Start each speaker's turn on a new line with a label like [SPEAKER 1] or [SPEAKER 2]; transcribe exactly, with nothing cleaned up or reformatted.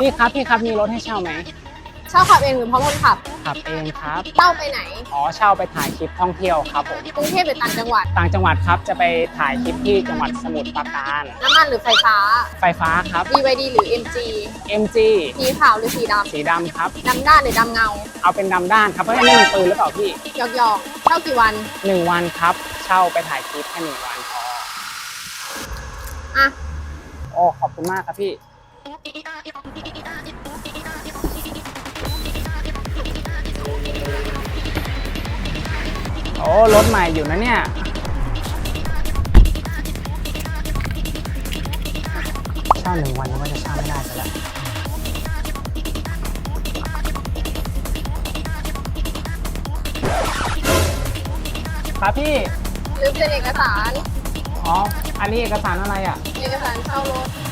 [SPEAKER 1] พี่ครับพี่ครับมีรถให้เช่าไหม
[SPEAKER 2] เช่าขับเองหรือพร้อมคนขับ
[SPEAKER 1] ขับเองครับ
[SPEAKER 2] เช่าไปไหน
[SPEAKER 1] อ๋อเช่าไปถ่ายคลิปท่องเที่ยวครับผม
[SPEAKER 2] กรุงเทพหรือต่างจังหวัด
[SPEAKER 1] ต่างจังหวัดครับจะไปถ่ายคลิปที่จังหวัดสมุทรปราการ
[SPEAKER 2] น้ำมันหรือไฟฟ้า
[SPEAKER 1] ไฟฟ้าครับ
[SPEAKER 2] บี วาย ดี หรือ เอ็ม จี
[SPEAKER 1] เอ็ม จี
[SPEAKER 2] สีขาวหรือสีด
[SPEAKER 1] สีดำครับ
[SPEAKER 2] ำดำด้านหรือดำเงา
[SPEAKER 1] เอาเป็นดำด้านครับเพราะนี่มันปืนหรือเปล่าพี่
[SPEAKER 2] หยอกหยอกๆเช่ากี่วัน
[SPEAKER 1] หนึ่งวันครับเช่าไปถ่ายคลิปแค่หนึ่งวันพอ
[SPEAKER 2] อ่ะ
[SPEAKER 1] โอ้ขอบคุณมากครับพี่โอ้รถใหม่อยู่นะเนี่ยเช่าหนึ่งวันนึกว่าจะเช่าไม่ได้ซะแล้วครับพี่
[SPEAKER 2] ลืมเซ็นเอกสาร
[SPEAKER 1] อ๋ออันนี้เอกสารอะไรอ่ะ
[SPEAKER 2] เอกสารเช่ารถ